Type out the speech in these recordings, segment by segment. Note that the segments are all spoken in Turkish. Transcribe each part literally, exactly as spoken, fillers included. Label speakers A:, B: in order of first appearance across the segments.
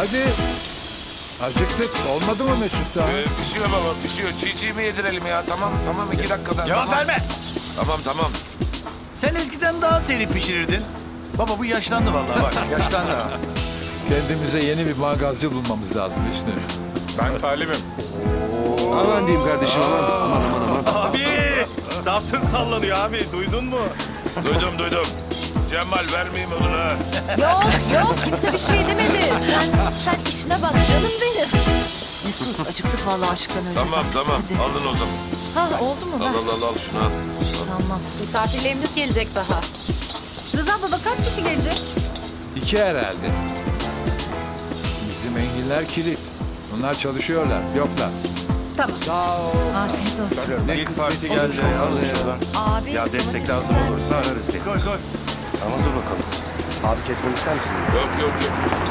A: Hadi. Acıktık. Olmadı mı Mesut daha?
B: Ee, pişiyor baba, pişiyor. Çiğ çiğ mi yedirelim ya? Tamam, tamam. iki dakikada.
C: Cevap
B: tamam.
C: verme.
B: Tamam, tamam.
C: Sen eskiden daha seri pişirirdin. Baba bu yaşlandı vallahi bak. Yaşlandı ha.
A: Kendimize yeni bir mangalcı bulmamız lazım Hüsnü.
B: Ben talimim.
D: Aman diyeyim kardeşim aman. Aman aman aman.
E: Abi! Zaptın sallanıyor abi. Duydun mu?
B: Duydum, duydum. Cemal vermeyeyim odunu ha.
F: Yok yok kimse bir şey demedi. Sen sen işine bak canım benim. Mesut acıktık vallahi aşktan önce.
B: Tamam,
F: sen.
B: tamam.
F: Hadi.
B: Alın o zaman.
F: Ha oldu mu?
B: Al,
F: Ha,
B: al, al, al şunu al.
F: tamam.
G: Misafirlerimiz gelecek daha. Rıza baba kaç kişi gelecek?
A: İki herhalde. Bizim enginler kilit. Bunlar çalışıyorlar. Yoklar.
G: Tamam.
A: Sağ ol.
F: Afiyet olsun.
E: İlk parti geldi. Alın şuradan.
F: Abi.
E: Ya destek
F: domates
E: lazım
F: ister
E: olursa
F: misin?
E: ararız diye.
C: Koy koy.
E: Tamam dur bakalım. Abi kesmeni ister misin?
B: Yok, yok, yok.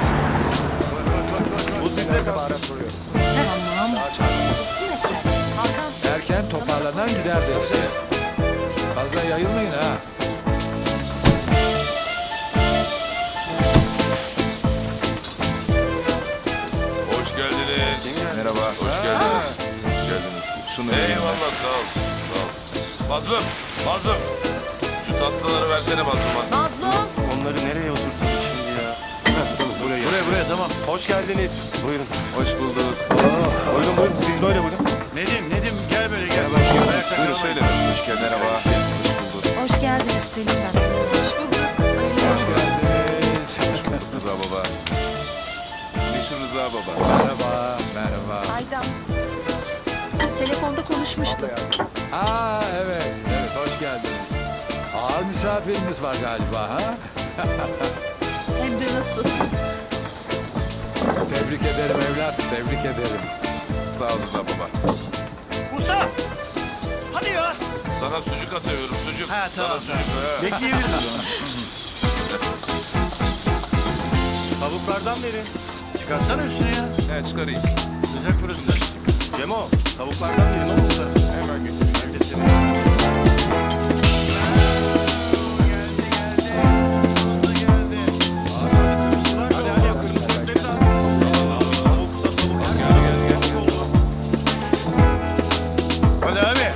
E: Bu size kalsın.
F: Tamam. Hakan.
A: Erken toparlanan gider derse. Fazla yayılmayın ha.
B: Hoş geldiniz.
E: Merhaba.
B: Hoş geldiniz. Hoş geldiniz.
E: Şunu
B: Eyvallah, sağ ol. Sağ ol. Mazlum, Mazlum. Şu tatlıları versene Mazlum'a.
F: Mazlum.
E: Onları nereye oturtalım şimdi ya? Heh, tamam, buraya
C: Buraya
E: gelsin.
C: buraya tamam.
E: Hoş geldiniz. Buyurun. Hoş bulduk. Buyurun buyurun. Siz böyle buyurun.
C: Nedim Nedim gel böyle gel.
E: Merhaba, hoş geldiniz.
C: Ayakta
E: Buyurun
C: kalmayın.
E: şöyle. Hoş geldiniz. Merhaba. Hoş bulduk.
F: Hoş geldiniz Selim ben. Hoş bulduk.
A: Hoş geldiniz.
E: Hoş bulduk Rıza baba. Meşhur Rıza baba.
A: Merhaba. Merhaba.
F: Aydan.
G: Telefonda konuşmuştuk.
A: Aa evet. Evet hoş geldiniz. Ağır misafirimiz var galiba ha?
G: Hem de nasıl?
A: Tebrik ederim evlat. Tebrik ederim.
B: Sağ ol Rıza baba.
C: Usta. Hadi ya.
B: Sana sucuk atıyorum, sucuk.
C: Ha, tamam,
B: Sana sucuk. Ha.
C: Bekleyebiliriz o zaman.
E: Tavuklardan verin.
C: Çıkarsana üstüne ya.
B: He, çıkarayım.
C: Sıcak burası.
E: Cemo, tavuklardan verin oğlum. Hemen getireyim. Hadi hadi kırmızı etleri de al. Tavuk da tavuk. Gel gel gel. Tavuk oldu.
C: Hadi abi.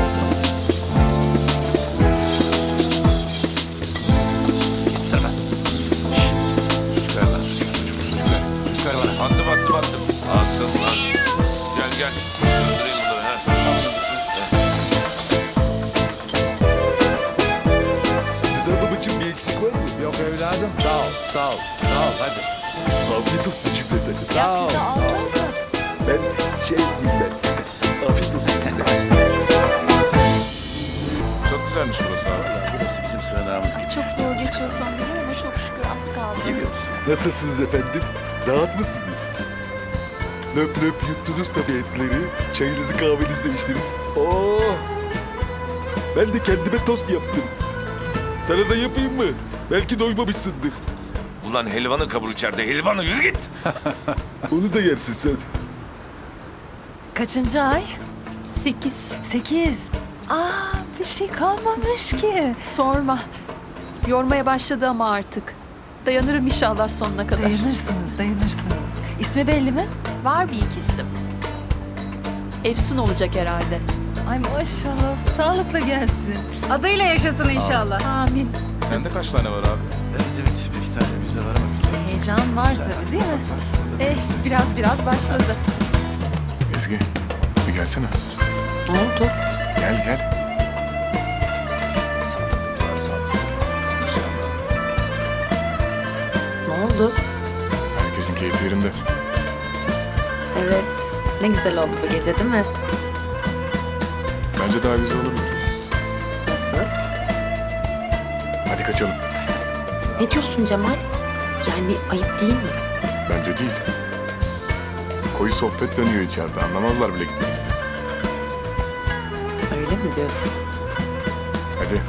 B: Sucuk ver lan.
C: Sucuk ver bana.
B: Attım, attım, attım. Attım lan. Gel, gel. Öldüreyim bunları. Ha.
D: Rıza babacığım bir eksik var mı?
A: Yok evladım. Sağ ol. Sağ ol. Sağ ol hadi.
D: Afiyet olsun cümleten.
F: Ya
A: Sağ ol.
F: size alsanıza.
D: Ben şey diyeyim ben. Afiyet olsun size.
B: Çok güzelmiş burası abi.
C: Burası bizim sığınağımız.
G: Ay çok zor geçiyor son gün ama çok şükür az kaldı.
D: Nasılsınız efendim? Rahat mısınız? Löp löp yuttunuz tabii etleri. Çayınızı kahvenizi de içtiniz. Oo. Ben de kendime tost yaptım. Sana da yapayım mı? Belki doymamışsındır.
B: Ulan helvanı kabul içeride. Helvanı yürü git.
D: Onu da yersin sen.
F: Kaçıncı ay?
G: Sekiz.
F: Sekiz. Aa bir şey kalmamış ki.
G: Sorma. Yormaya başladı ama artık. Dayanırım inşallah sonuna kadar.
F: Dayanırsınız dayanırsınız. İsmi belli mi?
G: Var bir iki isim. Efsun olacak herhalde.
F: Ay maşallah sağlıkla gelsin.
G: Adıyla yaşasın inşallah. Amin.
B: Sende kaç tane var abi?
C: Evet evet. Beş tane bizde var ama bizde.
F: Heyecan var tabii değil mi?
G: Eh biraz biraz başladı.
H: Ezgi, bir gelsene.
F: Ne oldu?
H: Gel gel.
G: Ne oldu?
H: Herkesin keyfi yerinde.
G: Evet. Ne güzel oldu bu gece değil mi?
H: Bence daha güzel olabilir.
G: Nasıl?
H: Hadi kaçalım.
G: Ne diyorsun Cemal? Yani ayıp değil mi?
H: Bence değil. Koyu sohbet dönüyor içeride. Anlamazlar bile gittiğimizi.
G: Öyle mi diyorsun?
H: Hadi.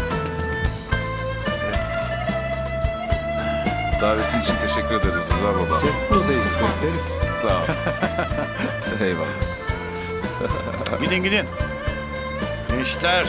B: Davetin için teşekkür ederiz Rıza baba.
A: Buradayız. Bekleriz.
B: Sağ ol. Eyvallah.
C: Gidin gidin. Gençler.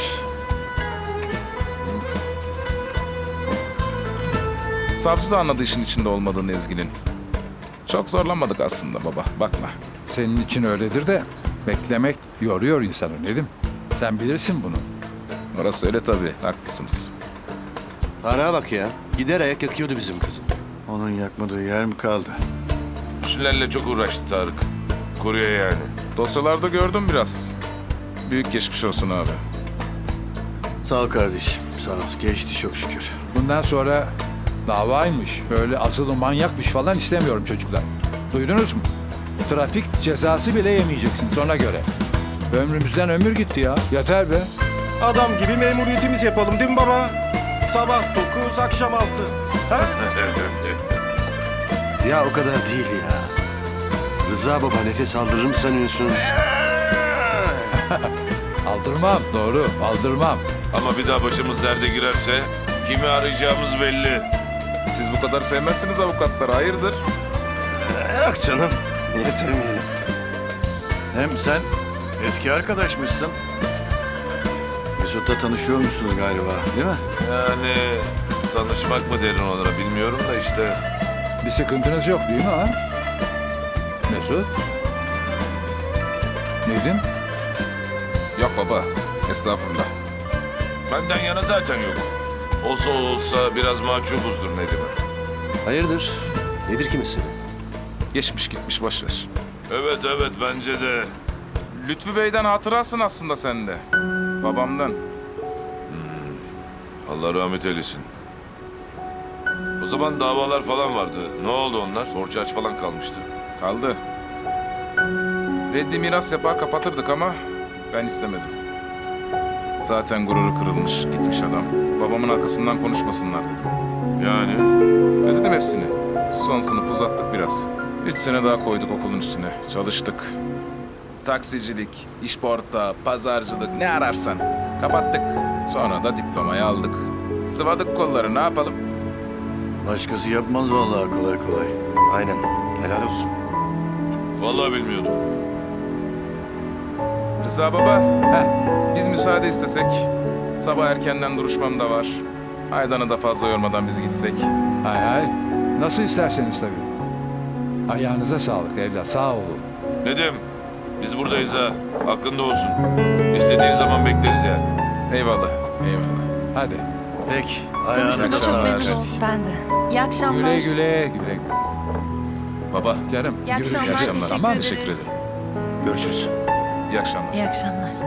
B: Savcı da anladı işin içinde olmadığını Ezgi'nin.
H: Çok zorlanmadık aslında baba, bakma.
A: Senin için öyledir de beklemek yoruyor insanı Nedim. Sen bilirsin bunu.
H: Orası öyle tabii, haklısınız.
I: Ana bak ya. Gider ayak yakıyordu bizim kızı.
C: Onun yakmadığı yer mi kaldı?
B: Şunlarla çok uğraştı Tarık. Koruyor yani.
H: Dosyalarda gördüm biraz. Büyük geçmiş olsun abi.
C: Sağ ol kardeşim. Sağ ol. Geçti çok şükür.
A: Bundan sonra davaymış, böyle asılı manyakmış falan istemiyorum çocuklar. Duydunuz mu? Trafik cezası bile yemeyeceksiniz ona göre. Ömrümüzden ömür gitti ya. Yeter be.
I: Adam gibi memuriyetimiz yapalım değil mi baba? Sabah dokuz, akşam altı. Ha? Ya o kadar değil ya. Rıza baba nefes aldırır mı sanıyorsun?
A: Aldırmam, doğru, aldırmam.
B: Ama bir daha başımız derde girerse kimi arayacağımız belli.
H: Siz bu kadar sevmezsiniz avukatları, hayırdır?
I: Yok canım. Niye sevmeyelim?
C: Hem sen eski arkadaşmışsın. Mesut'la tanışıyormuşsunuz galiba değil mi?
B: Yani tanışmak mı derin onlara bilmiyorum da işte.
A: Bir sıkıntınız yok değil mi ha? Mesut? Nedim?
H: Yok baba, estağfurullah.
B: Benden yana zaten yok. Olsa olsa biraz mahcubuzdur Nedim'e.
I: Hayırdır? Nedir ki mesele?
H: Geçmiş gitmiş, boş ver.
B: Evet evet bence de.
H: Lütfü Bey'den hatırasın aslında sende. Babamdan.
B: Allah rahmet eylesin. O zaman davalar falan vardı. Ne oldu onlar? Borç harç falan kalmıştı.
H: Kaldı. Reddi miras yapar kapatırdık ama ben istemedim. Zaten gururu kırılmış, gitmiş adam. Babamın arkasından konuşmasınlar dedim.
B: Yani
H: Ödedim hepsini. Son sınıf uzattık biraz. Üç sene daha koyduk okulun üstüne. Çalıştık. Taksicilik, işporta, pazarcılık ne ararsan. Kapattık. Sonra da diplomayı aldık. Sıvadık kolları, ne yapalım?
C: Başkası yapmaz vallahi kolay kolay.
I: Aynen. Helal olsun.
B: vallahi bilmiyordum.
H: Rıza baba,
A: Heh,
H: biz müsaade istesek. Sabah erkenden duruşmam da var. Aydan'ı da fazla yormadan biz gitsek.
A: hay hay. Nasıl isterseniz tabii. Ayağınıza sağlık evlat, sağ olun.
B: Nedim biz buradayız ha. Aklında olsun. İstediğin zaman bekleriz yani.
H: Eyvallah, eyvallah.
A: Hadi.
C: Peki. Ayağına
G: Tanıştığıma çok
C: sağlık.
G: memnun oldum.
F: Ben de.
G: İyi akşamlar.
A: Güle güle, güle güle.
H: Baba,
A: Canım,
G: İyi
A: görüşürüz.
G: akşamlar.
H: akşamlar.
G: Teşekkür
H: Tamam,
G: ederiz.
H: teşekkür ederim.
I: Görüşürüz.
H: iyi akşamlar.
F: İyi akşamlar.